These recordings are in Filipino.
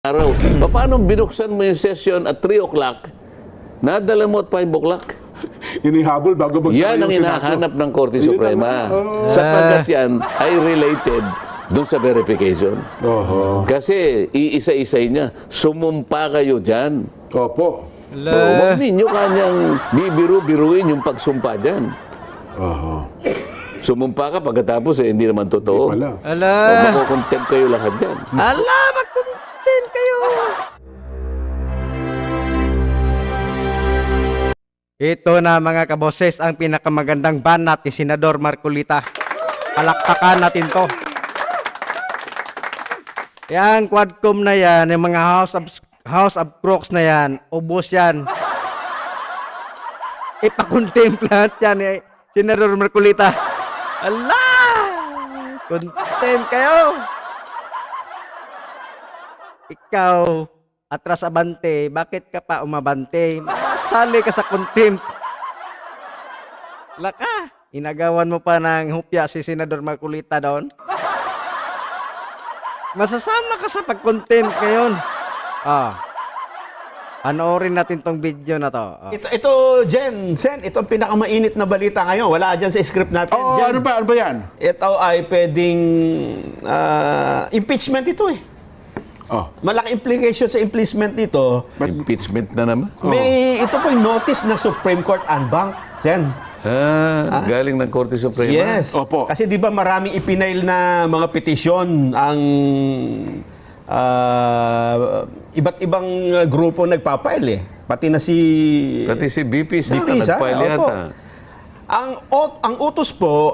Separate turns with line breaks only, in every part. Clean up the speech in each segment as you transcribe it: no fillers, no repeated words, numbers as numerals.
araw. Paano binuksan mo yung session at 3 o'clock, nadala mo at 5 o'clock?
Inihabol bago magsara
Yan ang
yung Senado.
hinahanap ng Korte Suprema. Sapagkat yan ay related dun sa verification.
Oho.
Kasi iisa-isay niya, sumumpa kayo dyan.
Opo.
Huwag ninyo kanyang bibiru-biruin yung pagsumpa dyan.
Oho.
Sumumpa ka pagkatapos hindi naman totoo.
Wala.
Ala,
Makukontent kayo lahat dyan.
ala, mag-content kayo. Ito na mga kaboses ang pinakamagandang banat ni Senador Marcolita. Palakpakan natin to. Yang quadcom na yan, yung mga House of Crooks na yan, ubos yan. Ipakontemplat yan eh, Senador Marcolita. Ala! Content kayo! Ikaw, atras abante, bakit ka pa umabante? Masali ka sa contempt. Laka, inagawan mo pa ng hupya si Senador Marcolita doon. Masasama ka sa pag-contempt ngayon. Panoorin natin tong video na to.
Ito, Jen, Sen, ito ang pinakamainit na balita ngayon. Wala dyan sa script natin.
Oh,
Jen.
ano ba yan?
Ito ay pwedeng impeachment ito eh.
Oh.
Malaki implication sa impeachment dito.
Impeachment na naman.
Ito po yung notice ng Supreme Court en banc, Jen.
Galing ng Korte Suprema.
Yes.
Opo.
Kasi di ba maraming ipinail na mga petisyon ang iba't ibang grupo nagpapail eh. Pati na si
BP Sara
BP Sara,
nagpile
opo.
yata.
Ang utos po,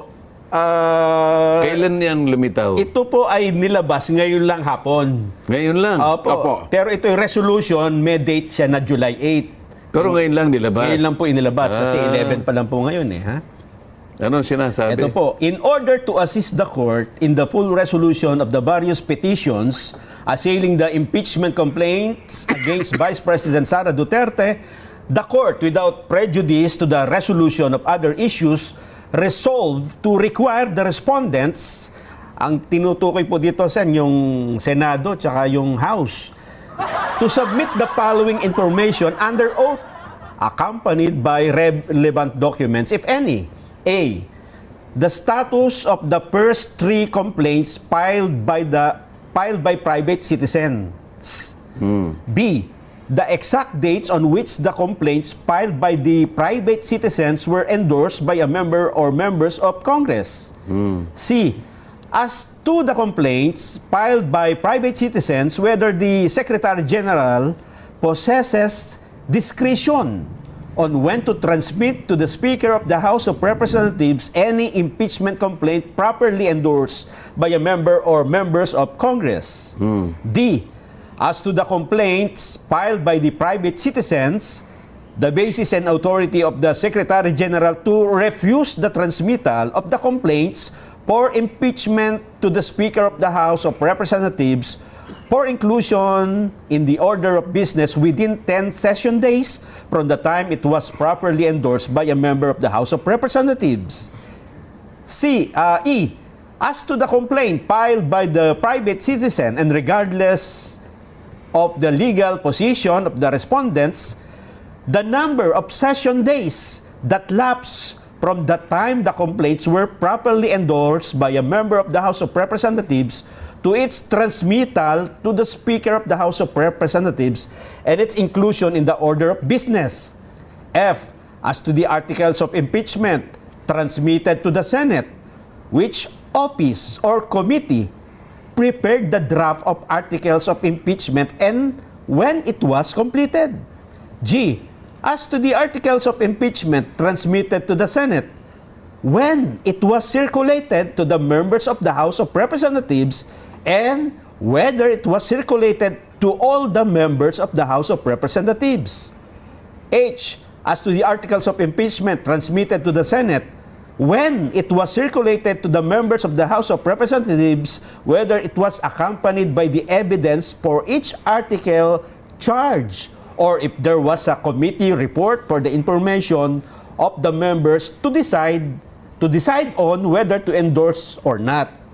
Kailan yan lumitaw?
ito po ay nilabas ngayon lang hapon.
Ngayon lang.
Opo. Pero ito yung resolution, may date siya na July 8.
Pero ngayon lang nilabas.
Ngayon lang po inilabas. Kasi 11 pa lang po ngayon eh. Ha?
Anong sinasabi?
Ito po, in order to assist the court in the full resolution of the various petitions assailing the impeachment complaints against Vice President Sara Duterte, the court, without prejudice to the resolution of other issues, resolved to require the respondents, ang tinutukoy po dito sa yung Senado tsaka yung House, to submit the following information under oath, accompanied by relevant documents, if any. A. The status of the first 3 complaints filed by private citizens. B. The exact dates on which the complaints filed by the private citizens were endorsed by a member or members of Congress. C. As to the complaints filed by private citizens, whether the Secretary General possesses discretion on when to transmit to the Speaker of the House of Representatives any impeachment complaint properly endorsed by a member or members of Congress. D. As to the complaints filed by the private citizens, the basis and authority of the Secretary General to refuse the transmittal of the complaints for impeachment to the Speaker of the House of Representatives for inclusion in the order of business within 10 session days from the time it was properly endorsed by a member of the House of Representatives. E. As to the complaint filed by the private citizen and regardless of the legal position of the respondents, the number of session days that lapse from the time the complaints were properly endorsed by a member of the House of Representatives to its transmittal to the Speaker of the House of Representatives and its inclusion in the order of business. F. As to the articles of impeachment transmitted to the Senate, which office or committee prepared the draft of articles of impeachment and when it was completed. G. As to the articles of impeachment transmitted to the Senate, when it was circulated to the members of the House of Representatives and whether it was circulated to all the members of the House of Representatives. H. As to the articles of impeachment transmitted to the Senate, when it was circulated to the members of the House of Representatives, whether it was accompanied by the evidence for each article charged, or if there was a committee report for the information of the members to decide on whether to endorse or not.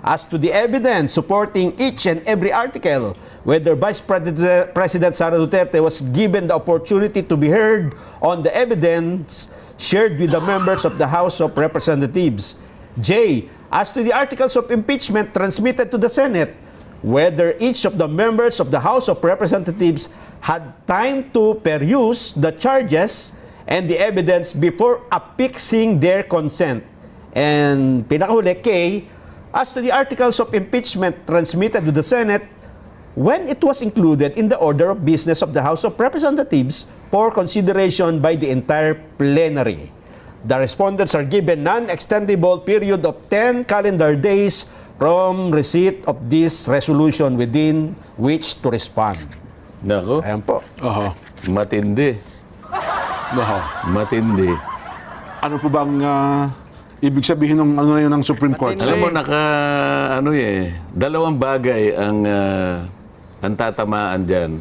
as to the evidence supporting each and every article, whether Vice President Sara Duterte was given the opportunity to be heard on the evidence shared with the members of the House of Representatives. J. As to the articles of impeachment transmitted to the Senate, whether each of the members of the House of Representatives had time to peruse the charges and the evidence before affixing their consent. And pinakahuli, K, as to the articles of impeachment transmitted to the Senate, when it was included in the order of business of the House of Representatives for consideration by the entire plenary. The respondents are given non-extendable period of 10 calendar days from receipt of this resolution within which to respond.
Nako,
Ayan po.
Oho.
matindi.
Oho.
Matindi.
Ano po bang ibig sabihin ng ano na yun ng Supreme Court?
Alam mo, dalawang bagay ang tatamaan dyan.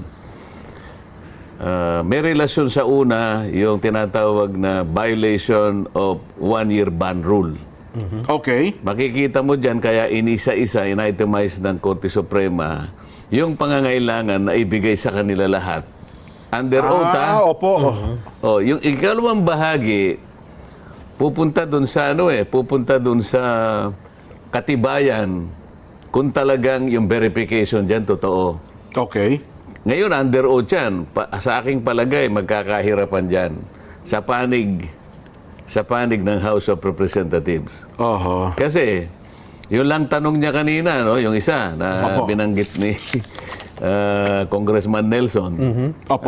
May relasyon sa una, yung tinatawag na violation of one-year ban rule.
Okay.
Makikita mo dyan, kaya inisa-isa, in-itemize ng Korte Suprema, yung pangangailangan na ibigay sa kanila lahat. Under oath,
Opo.
Oh, yung ikalawang bahagi, pupunta dun sa pupunta dun sa katibayan kung talagang yung verification dyan totoo.
Okay.
Ngayon, under oath yan. Sa aking palagay, magkakahirapan dyan sa panig ng House of Representatives.
Oho.
Kasi, yun lang tanong niya kanina, no? Yung isa na
Opo.
binanggit ni Congressman Nelson.
Opo.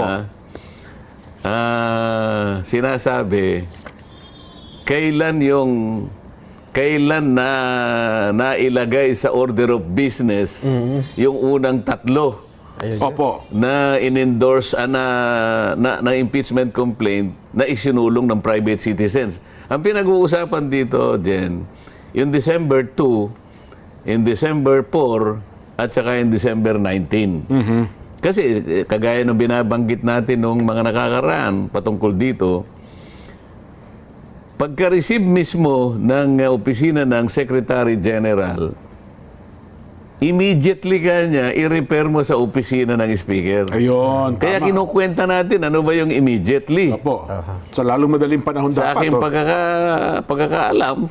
Sinasabi, kailan na nailagay sa order of business yung unang tatlo
Opo.
na in-endorse na impeachment complaint na isinulong ng private citizens. Ang pinag-uusapan dito, Jen, yung December 2, in December 4, at saka in December 19. Kasi kagaya ng binabanggit natin nung mga nakakaraan patungkol dito, pagka-receive mismo ng opisina ng Secretary General, immediately kanya i-repair mo sa opisina ng Speaker.
Ayun.
Kaya
tama.
kinukwenta natin ano ba yung immediately.
Opo. Sa lalong madaling panahon
Sa
dapat.
aking pagkakaalam,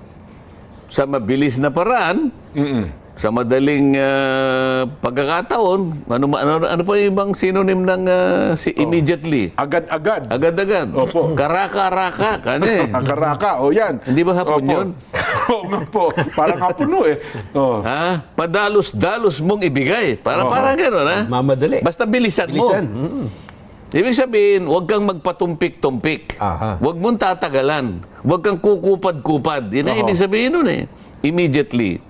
sa mabilis na paraan, sa madaling pagkakataon, ano pa yung ibang synonym ng immediately?
Agad-agad.
Agad-agad.
Opo.
Karaka-raka. Kani.
Akaraka. O yan.
Hindi ba hapon
Opo.
yun?
Oo nga po. Parang hapon no eh. Oh.
Ha? Padalos-dalos mong ibigay. Parang gano'n, ha?
Mamadali.
Basta bilisan mo. Ibig sabihin, huwag kang magpatumpik-tumpik.
Aha.
Huwag mong tatagalan. Huwag kang kukupad-kupad. Yan ang ibig sabihin nun eh. Immediately.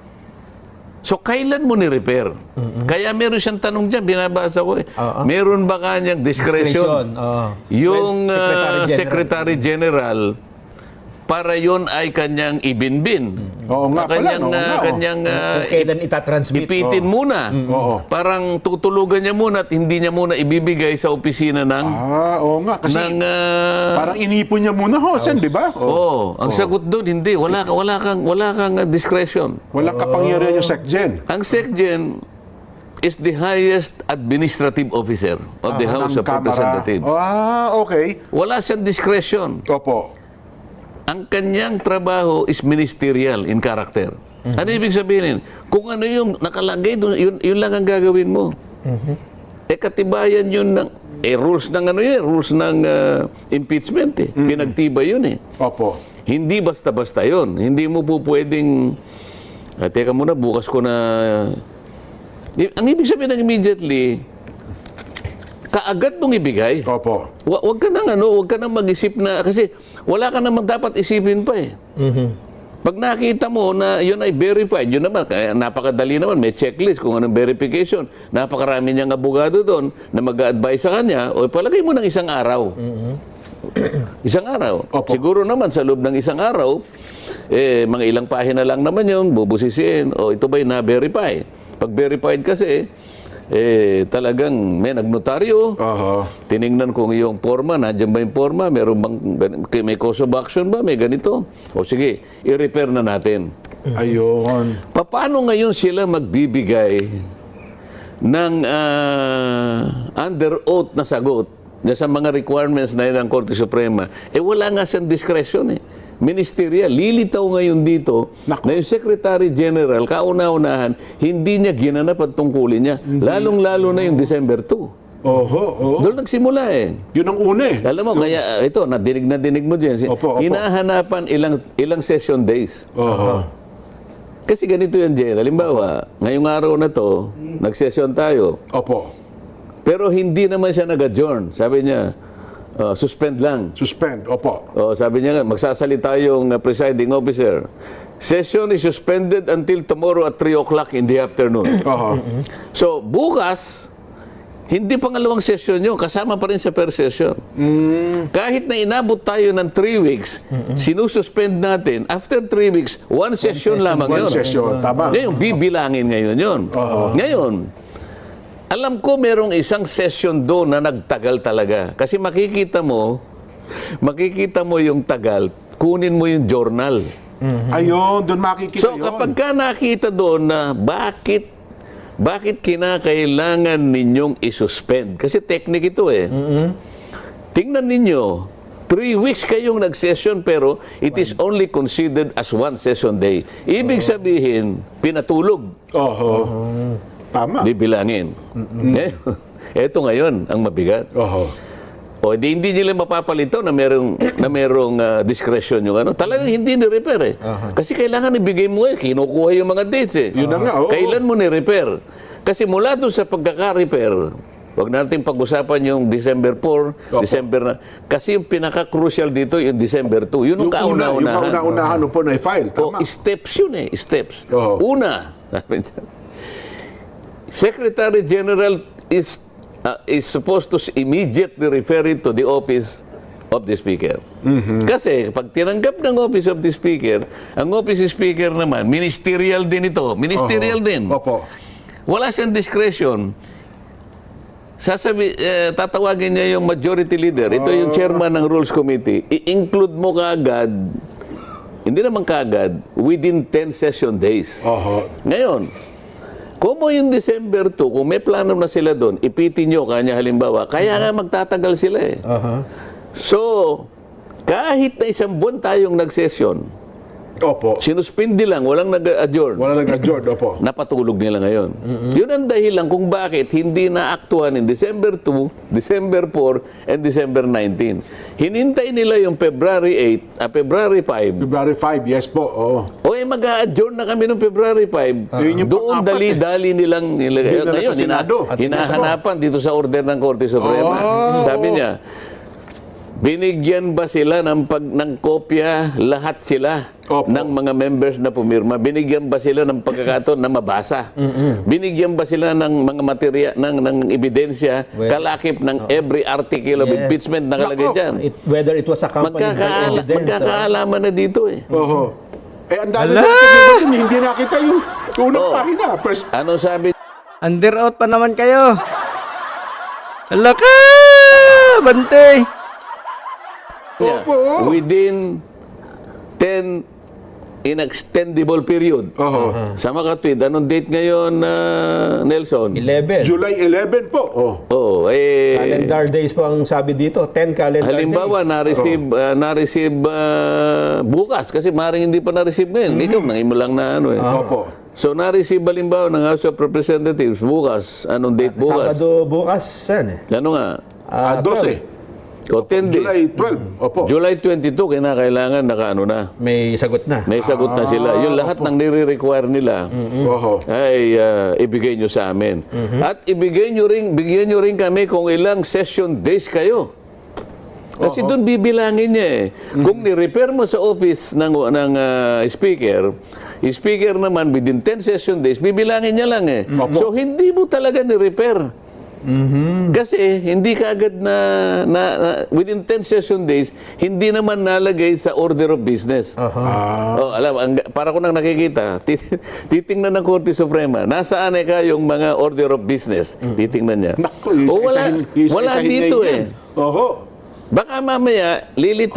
So, kailan mo ni-repair? Kaya meron siyang tanong dyan, binabasa ko eh. Meron ba kanyang discretion? Yung Secretary General, para yon ay kanyang ibinbin.
Oo nga pala,
Kanyang,
no? Oo nga, oh.
kanyang
Kung kailan itatransmit.
ipitin muna.
Oo.
Parang tutulugan niya muna at hindi niya muna ibibigay sa opisina ng
Oo nga. Kasi
ng
parang inipon niya muna, Sen, di ba?
ang sagot doon hindi, wala kang discretion.
Walang kapangyarihan yung SecGen.
Ang SecGen is the highest administrative officer of the House of
Ng Kamara.
Representatives.
Okay.
Wala siyang discretion.
Opo.
Ang kanyang trabaho is ministerial in character. Ano ibig sabihin? Kung ano yung nakalagay doon, yun lang ang gagawin mo. Katibayan yun ng rules ng rules ng impeachment eh. Pinagtibay yun eh.
Opo.
Hindi basta-basta yun. Hindi mo po pwedeng teka muna, bukas ko na ang ibig sabihin ng immediately, kaagad mong ibigay.
Opo.
Huwag ka nang mag-isip na, kasi wala ka naman dapat isipin pa eh. Pag nakita mo na yun ay verified, yun naman, kaya napakadali naman, may checklist kung anong verification. Napakarami niyang abogado doon na mag-a-advise sa kanya, o palagay mo ng isang araw. Isang araw.
Opo.
Siguro naman sa loob ng isang araw, mga ilang pahina lang naman yun, bubusisiin, o ito ba'y na-verify? Pag verified kasi, talagang may nagnotaryo, tiningnan kung yung forma, nandiyan ba yung forma, may cause of action ba, may ganito. O sige, i-repair na natin.
Ayun.
Paano ngayon sila magbibigay ng under oath na sagot sa mga requirements na yun ng Korte Suprema? Wala nga siyang discretion ministerial. Lilitaw ngayon dito na yung Secretary General, kauna-unahan, hindi niya ginanap ang tungkulin niya. Lalong-lalo na yung December 2.
Oho.
Doon nagsimula
Yun ang una
Alam mo, kaya ito, nadinig mo dyan.
Opo.
Hinahanapan ilang session days.
Oho.
Kasi ganito yan, Jen. Halimbawa, ngayong araw na to, nag-session tayo.
Opo.
Pero hindi naman siya nag-adjourn. Sabi niya, suspend lang.
Suspend. Opo.
Sabi niya, magsasalita yung presiding officer. Session is suspended until tomorrow at 3 o'clock in the afternoon.
Oho.
So, bukas, hindi pangalawang session yun. Kasama pa rin sa per session. Kahit na inabot tayo ng 3 weeks, sinususpend natin. After 3 weeks, one session lamang
One
yun.
session. Tama.
Ngayon, bibilangin ngayon yun. Ngayon, alam ko merong isang session doon na nagtagal talaga. Kasi makikita mo yung tagal, kunin mo yung journal.
Ayun, doon makikita
So,
yun.
kapag ka nakita doon na bakit kinakailangan ninyong isuspend? Kasi technique ito Tingnan ninyo, 3 weeks kayong nag-session pero it is only considered as one session day. Ibig sabihin, pinatulog.
Oho. Tama.
Bibilangin. Ito ngayon ang mabigat.
Oho.
Hindi nila mapapalito na merong discretion yung ano. Talagang hindi ni-repair Kasi kailangan ibigay mo kinukuha yung mga dates
Yun na nga, oo.
Kailan mo ni-repair? Kasi mula doon sa pagkaka-repair, huwag natin pag-usapan yung December 4, December na. Kasi yung pinaka-crucial dito yung December 2. Yun ang kauna-unahan.
Yung kauna-unahan po na i-file. Tama.
Steps yun steps.
Oo.
Una, Secretary General is supposed to immediately refer it to the office of the Speaker. Kasi pag tinanggap ng office of the Speaker, ang office of Speaker naman, ministerial din ito. Ministerial din.
Opo.
Wala siyang discretion. Tatawagin niya yung majority leader. Ito yung chairman ng Rules Committee. I-include mo kaagad, hindi naman kaagad, within 10 session days.
Oho.
Ngayon, kung yung December 2, kung may plano na sila doon, ipitin nyo kanya halimbawa, kaya nga magtatagal sila So, kahit na isang buwan tayong nag-session,
Opo.
sinuspindi lang, walang nag-adjourn.
Wala nag-adjourn. Opo.
Napatulog nila ngayon. Yun ang dahilan kung bakit hindi naaktuhan in December 2, December 4, and December 19. Hinintay nila yung February 8, February 5.
February 5, yes po. Oo.
Mag-a-adjourn na kami noong February 5.
Yun yung
Doon
pang-apat
dali-dali nilang nilagay.
Dinala sa Senado.
Hinahanapan dito sa order ng Korte Suprema. Sabi niya, binigyan ba sila ng kopya lahat sila
Opo.
ng mga members na pumirma? Binigyan ba sila ng pagkakataon na mabasa? Binigyan ba sila ng mga materiya, ng ebidensya, kalakip ng every article of impeachment na kalagay dyan?
Whether it was accompanied by evidence.
Magkakaalaman na dito
Oho. Ang dami na hindi nakita yung unang pahina. First,
Ano sabi?
Under oath pa naman kayo. Hala ka! Bante!
niya?
Opo.
Within 10 inextendable period.
Oho.
Sa makatwid, anong date ngayon, Nelson?
11.
July 11 po. Oh.
Calendar days po ang sabi dito. 10 calendar
Halimbawa,
days.
na-receive bukas kasi maaaring hindi pa na-receive ngayon. Ikaw, nangin mo lang na ano
Opo.
So, na-receive halimbawa ng House of Representatives bukas. Anong date bukas?
Sabado bukas,
Ano nga?
12.
O 10 days.
July 12. Opo.
July 22, kinakailangan nakaano na.
May sagot na.
May sagot na sila. Yung lahat ng nire-require nila
Oho.
ay ibigay nyo sa amin. At bigyan nyo rin kami kung ilang session days kayo. Kasi doon bibilangin niya Kung ni-repair mo sa office ng speaker naman within 10 session days, bibilangin niya lang So hindi mo talaga ni-repair. Kasi hindi kaagad na within 10 session days, hindi naman nalagay sa order of business. Para ko nang nakikita, titingnan ng Korte Suprema, nasaan yung mga order of business? Titingnan niya.
Naku,
wala
isa-isahin
dito
niya yan. Oho.
Baka mamaya,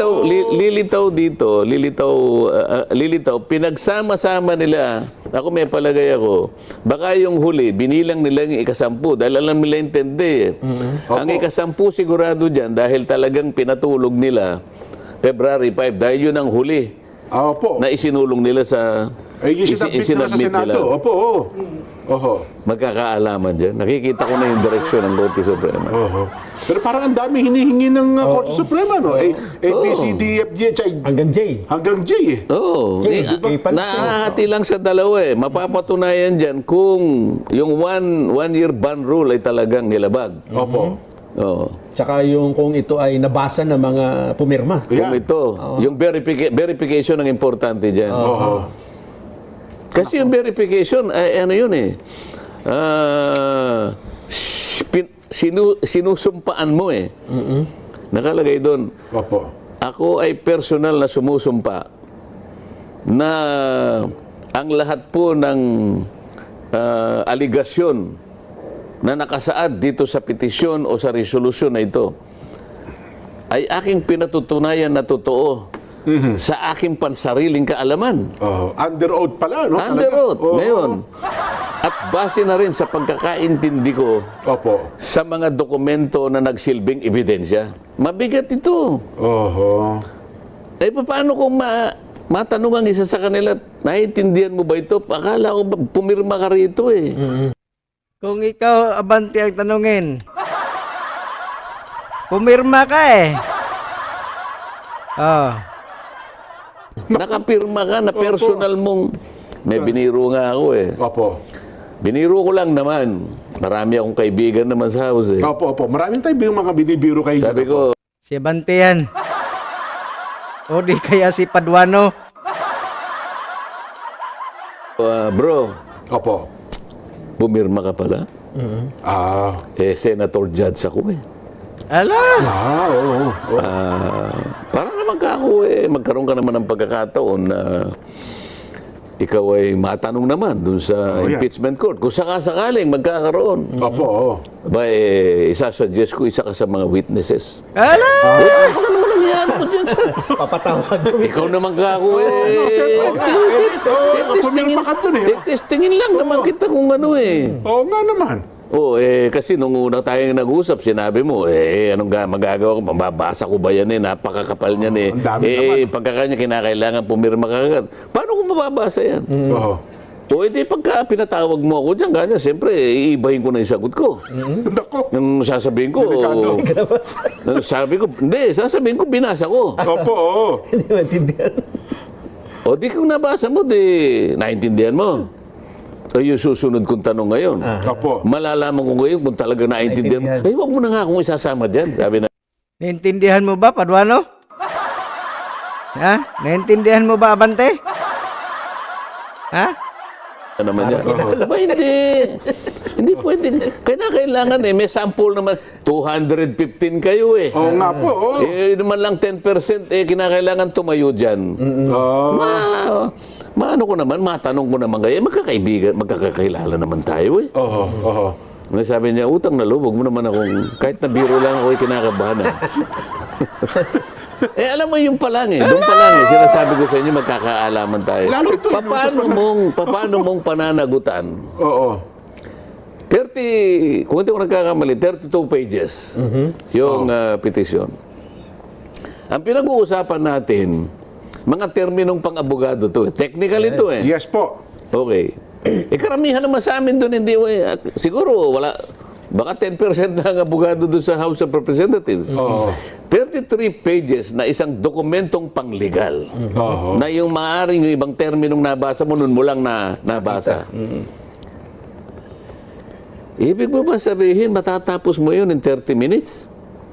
lilitaw, pinagsama-sama nila. Ako may palagay ako, baka yung huli, binilang nila yung ikasampu dahil alam nila intindi. Ang ikasampu sigurado dyan dahil talagang pinatulog nila February 5 dahil yun ang huli
Opo.
na isinulong nila sa
Yung sinabit nila sa Senado. Opo, oo. Oho.
Magkakaalaman dyan. Nakikita ko na yung direksyon ng Korte Suprema.
Oho. Pero parang ang dami hinihingi ng Korte Suprema, no? A, B, C, D, F, G, H, I,
Hanggang J.
hanggang J, eh.
Oo.
Okay,
Nahahati lang sa dalawa eh. Mapapatunayan dyan kung yung one-year ban rule ay talagang nilabag.
Opo.
Oo.
Tsaka yung kung ito ay nabasa ng mga pumirma.
Kung
Yeah.
ito, yung verification ang importante dyan.
Oho.
Kasi yung verification, ay ano yun eh. Sinusumpaan mo eh. Nakalagay doon,
Opo.
ako ay personal na sumusumpa na ang lahat po ng aligasyon na nakasaad dito sa petisyon o sa resolusyon na ito ay aking pinatutunayan na totoo sa aking pansariling kaalaman.
Oho. Under oath pala, no?
Under
Talaga?
oath,
Oo.
ngayon. At base na rin sa pagkakaintindi ko
Opo.
sa mga dokumento na nagsilbing ebidensya. Mabigat ito.
Oho.
Eh, paano kung matanong ang isa sa kanila, naiintindihan mo ba ito? Akala ko pumirma ka rito eh.
Kung ikaw, Abante, ang tanungin, pumirma ka eh. Oh.
Nakapirma ka na personal mong... May biniro nga ako eh.
Opo.
Biniro ko lang naman. Marami akong kaibigan naman sa house eh.
Opo, opo. Maraming tayo yung mga binibiro kayo.
Sabi ko,
Si Abante yan. O di kaya si Paduano.
bro,
Opo.
pumirma ka pala.
Ah.
Senator Judge ako eh.
Ala!
Oo.
Para naman ka ako magkaroon ka naman ng pagkakataon na ikaw ay matanong naman dun sa
yeah.
impeachment court. Kung sakasakaling magkakaroon,
Opo, oo.
ba isasuggest ko isa ka sa mga witnesses.
Ala!
Ako na naman ang yan mo dyan sa...
Papatawag.
Ikaw naman ka ako
Pumirma ka dun eh.
Testingin lang naman kita kung ano eh.
Oo nga naman.
Kasi nung una tayong nag-usap, sinabi mo, anong magagawa ko? Mababasa ko ba yan eh? Napakakapal niyan eh.
Ang dami naman.
Pagkakanya kinakailangan pumirma ka agad. Paano ko mababasa yan?
Oo.
O edi pagka pinatawag mo ako dyan, ganyan, siyempre, iibahin ko na yung sagot ko.
Nako.
Yung sasabihin ko, sasabihin ko, binasa ko.
Opo, oo.
Hindi maintindihan.
O di kung nabasa mo, di naintindihan mo. O yung susunod kong tanong ngayon.
Opo.
Malalaman ko ngayon kung talaga naintindihan mo.
Naintindihan.
Wag mo na nga akong isasama dyan. Sabi na,
Naintindihan mo ba, Paduano? Ha? Naintindihan mo ba, Abante? Ha?
naman yan. Aba, hindi. Hindi pwede. Kailangan may sample naman. 215 kayo eh.
Oo nga po, oo.
Naman lang 10%, kinakailangan tumayo dyan. Maano ko naman, matanong ko naman kayo, magkakaibigan, magkakakilala naman tayo eh.
Oo, oo.
Sabi niya, utang na loob, wag mo naman akong, kahit na biro lang ako, kinakabahan. Alam mo yung pa lang doon pa lang sinasabi ko sa inyo, magkakaalaman tayo.
Lalo ito,
Paano mong pananagutan?
Oo.
30, kung hindi ko nagkakamali, 32 pages yung petisyon. Ang pinag-uusapan natin, mga terminong pang-abogado to. Technical ito eh.
Yes po.
Okay. Karamihan naman sa amin doon, hindi, siguro wala, baka 10% na ang abogado doon sa House of Representatives.
Oo.
33 pages na isang dokumentong panglegal.
Oo.
Na yung maaaring yung ibang terminong nabasa mo, nun mo lang nabasa. Ibig mo ba sabihin, matatapos mo yun in 30 minutes?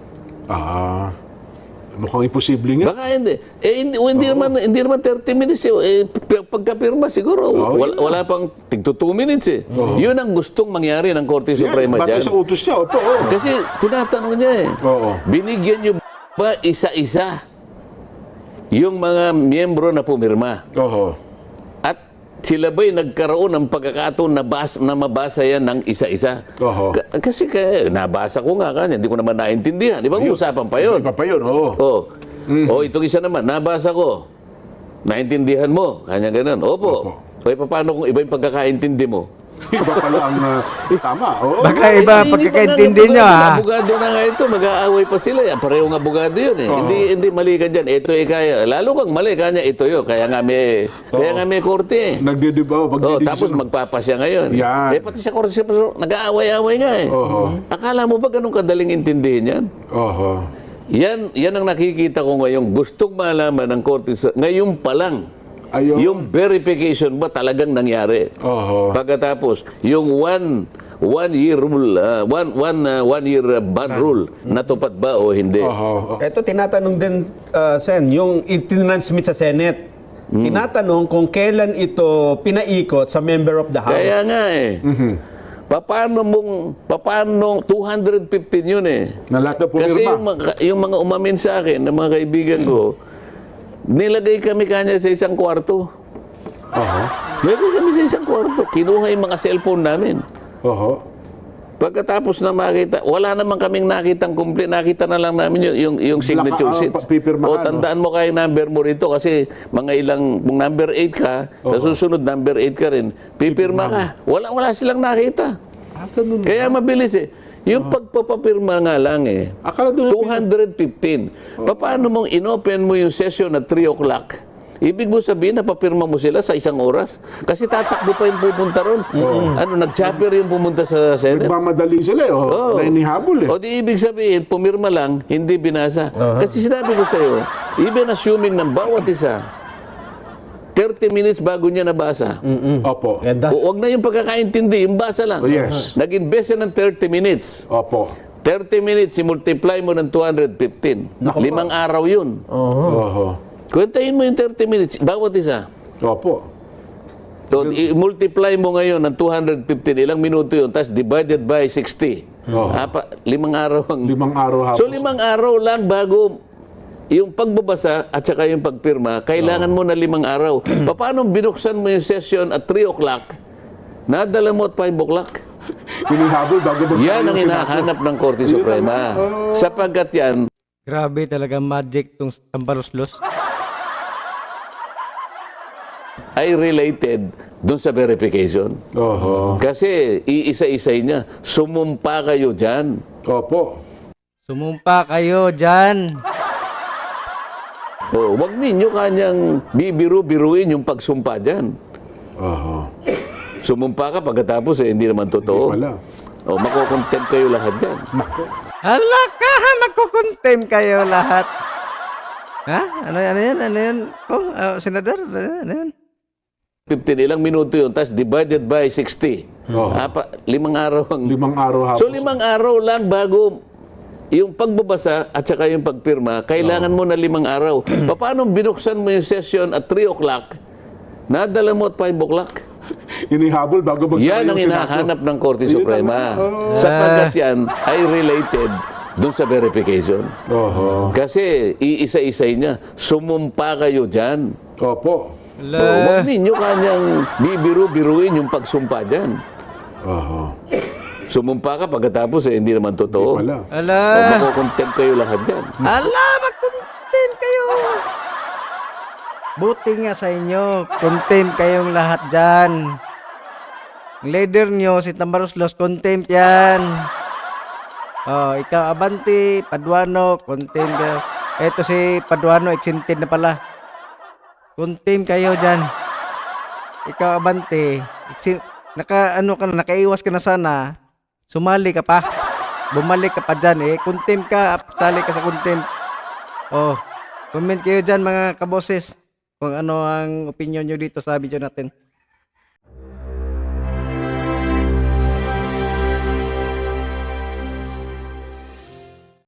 Mukhang imposible nga.
Baka hindi. Hindi naman 30 minutes. Pagkapirma siguro, wala pang tigto 2 minutes eh. Yun ang gustong mangyari ng Korte Suprema
Batay
dyan.
sa utos niya, opo. Oo.
Kasi tinatanong niya eh,
Oo.
binigyan niyo ba isa-isa yung mga miyembro na pumirma?
Oo.
At Sila ba'y nagkaroon ng pagkakataon na mabasa yan ng isa-isa?
Oho.
Kasi nabasa ko nga kanya, hindi ko naman naintindihan. Di ba usapan pa yun?
Iba pa yun, oo.
O itong isa naman, nabasa ko. Naintindihan mo? Kanya ganun. Opo. O paano kung iba yung pagkakaintindi mo?
Iba pala ang tama, oo.
Baka iba
Hindi
pagkakaintindi
pa
nyo,
nga,
ha?
abogado na nga ito, mag-aaway pa sila. Parehong abogado yun eh. Hindi mali ka dyan. Ito kaya. Lalo kang mali kanya, ito yun. Kaya nga may korte eh.
Nagdidibaw,
Tapos magpapasya ngayon.
Yan.
Pati sa korte, nag-aaway-aaway nga eh.
Oho.
Akala mo ba ganun kadaling intindihin yan?
Oho.
Yan ang nakikita ko ngayon. Gustong malaman ng korte. Ngayon pa lang.
Ayun.
Yung verification ba talagang nangyari?
Oho.
Pagkatapos, yung one year rule, one year ban rule, natupad ba o hindi?
Oho.
Ito tinatanong din, Sen, yung itinansmit sa Senate. Tinatanong kung kailan ito pinaikot sa member of the House.
Kaya nga eh. Paano 215 yun eh.
Na lahat na
Kasi
pumirma.
yung mga umamin sa akin, ng mga kaibigan ko, nilagay kami kanya sa isang kwarto.
Oho.
Nilagay kami sa isang kwarto. Kinuha yung mga cellphone namin.
Oho.
Pagkatapos na makita, wala naman kaming nakitang complete. Nakita na lang namin yung signature sheets.
pipirmahan,
O tandaan mo kaya number mo rito kasi mga ilang, kung number 8 ka, sa susunod number 8 ka rin, pipirma ka. Wala silang nakita.
Ganun.
Kaya mabilis eh. Yung pagpapapirma nga lang eh.
Akala doon
215. Paano mong inopen mo yung session at 3 o'clock? Ibig mo sabihin na papirma mo sila sa isang oras? Kasi tatakbo pa yung pupunta ron. Nag-chopper yung pumunta sa Senate.
Nagmamadali sila eh. Oh. Nainihabol eh.
O di ibig sabihin, pumirma lang, hindi binasa. Kasi sinabi ko sa'yo, even assuming ng bawat isa, 30 minutes bago niya nabasa.
Opo.
Ganda.
Huwag na yung pagkakaintindi, yung basa lang.
Oh, yes.
Nag-invest siya ng 30 minutes.
Opo.
30 minutes, i-multiply mo ng 215. 5 araw yun.
Oho.
Kwentahin mo yung 30 minutes, bawat isa.
Opo.
So, i-multiply mo ngayon ng 215, ilang minuto yun, tapos divided by 60. 5 araw ang...
5 araw hapon.
So, 5 araw lang bago yung pagbabasa at saka yung pagpirma, kailangan mo na 5 araw. Paano binuksan mo yung session at 3 o'clock, nadala mo at 5 o'clock?
Hinihabol bago magsabi
Yan ang
yung Senado.
hinahanap ng Korte Suprema. Sapagkat yan,
Grabe talaga magic tong Tambaroslos.
ay related dun sa verification.
Oho.
Kasi iisa-isay niya, sumumpa kayo dyan.
Opo.
Sumumpa kayo dyan.
O, wag ninyo kanyang bibiru-biruin yung pagsumpa dyan.
Oho.
Sumumpa ka pagkatapos hindi naman totoo.
Wala.
O, makukontent kayo lahat dyan.
Nako.
Hala ka, magkukontem kayo lahat. Ha? Ano yan? Oh, senador, ano yan?
15, ilang minuto yun, tapos divided by 60. 5 araw ang...
5 araw hapon.
So, 5 araw lang bago yung pagbabasa at saka yung pagpirma, kailangan mo na 5 araw. Paano binuksan mo yung session at 3 o'clock, nadala mo at 5 o'clock?
Hinihabol bago magsabi
Yan ang
yung Senado.
hinahanap ng Korte Suprema. Sapagkat yan ay related dun sa verification.
Oho.
Kasi iisa-isay niya, sumumpa kayo dyan.
Opo.
O, huwag
Hala.
ninyo kanyang bibiru-biruin yung pagsumpa dyan.
Oho.
Sumumpa ka pagkatapos hindi naman totoo.
Wala.
O,
Hala.
makukontent kayo lahat dyan.
Hala, magkontem kayo. Buti nga sa inyo. Contem kayong lahat dyan. Ang leader nyo, si Tambaroslos, contempt yan. Oh, ikaw, Abante, Paduano, contempt kayo. Eto si Paduano, exempted na pala. Contempt kayo dyan. Ikaw, Abante, nakaiwas ka na sana. Sumali ka pa. Bumalik ka pa dyan eh. Contempt ka, sali ka sa contempt. Oh, comment kayo dyan mga kaboses. Kung ano ang opinion nyo dito sa video natin.